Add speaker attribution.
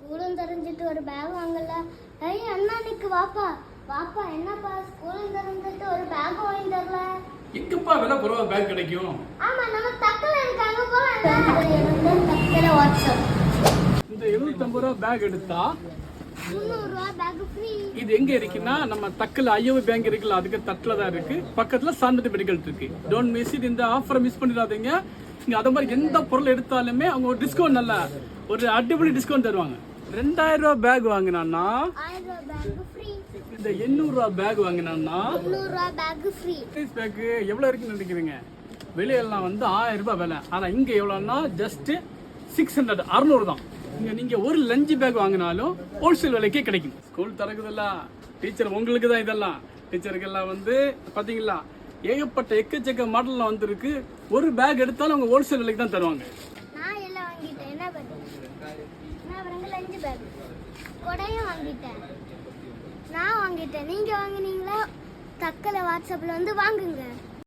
Speaker 1: ஸ்கூலும் தெரிஞ்சிட்டு ஒரு பேக் வாங்கல. ஐய் அண்ணா நிக்கு வாப்பா வாப்பா, என்னப்பா ஸ்கூலும் தெரிஞ்சிட்டு ஒரு பேக் வாங்கி தரல?
Speaker 2: எங்கப்பா விலை குறைவா பேக் கிடைக்கும்?
Speaker 1: ஆமா நம்ம தக்கல இருக்காங்க போலாம். தக்கல வாட்ஸ்அப்
Speaker 2: இந்த 750 ரூபா பேக் எடுத்தா
Speaker 1: 300 ரூபா பேக் ஃப்ரீ.
Speaker 2: இது எங்க இருக்குன்னா நம்ம தக்கல ஐஓபி பேங்க் இருக்குல்ல, அதுக்கு தட்டுல தான் இருக்கு. பக்கத்துல சாந்ததி மெடிக்கல் இருக்கு. Don't miss it. இந்த ஆஃபரை மிஸ் பண்ணிடாதீங்க. நீங்க அத மாதிரி எந்த பொருள் எடுத்தாலுமே அவங்க ஒரு டிஸ்கவுண்ட், நல்ல ஒரு அடிப்படை டிஸ்கவுண்ட் தருவாங்க. 2000 ரூபா பேக் வாங்கினான்னா
Speaker 1: 1000 ரூபா பேக் ஃப்ரீ.
Speaker 2: இந்த 800 ரூபா பேக் வாங்கினான்னா
Speaker 1: 800 ரூபா பேக் ஃப்ரீ.
Speaker 2: பேக் எவ்வளவு இருக்குன்னு நினைக்கிறீங்க? வெளியெல்லாம் வந்து 1000 ரூபாய் விலை. ஆனா இங்க எவ்வளவுன்னா ஜஸ்ட் 600 600 தான். நீங்க ஒரு லஞ்ச் பேக் வாங்கினாலும் ஹோல்சேல் விலைக்கே கிடைக்கும். ஸ்கூல் திறக்குதுல்ல, டீச்சர் உங்களுக்கு தான் இதெல்லாம். டீச்சருக்கெல்லாம் வந்து பாத்தீங்களா ஏகப்பட்ட எக்கச்சக்க மாடல்லாம் வந்துருக்கு. ஒரு பேக் எடுத்தாலும் அவங்க ஹோல்சேல் விலைக்கு தான் தருவாங்க.
Speaker 1: நான் எல்லாம் வாங்கிட்டேன். என்ன பண்ணுறேன்? நான் வந்து லஞ்ச் பேக் கொடையும் வாங்கிட்டேன். நான் வாங்கிட்டேன். நீங்க வாங்குனீங்களா? தக்கல வாட்ஸ்அப்ல வந்து வாங்குங்க.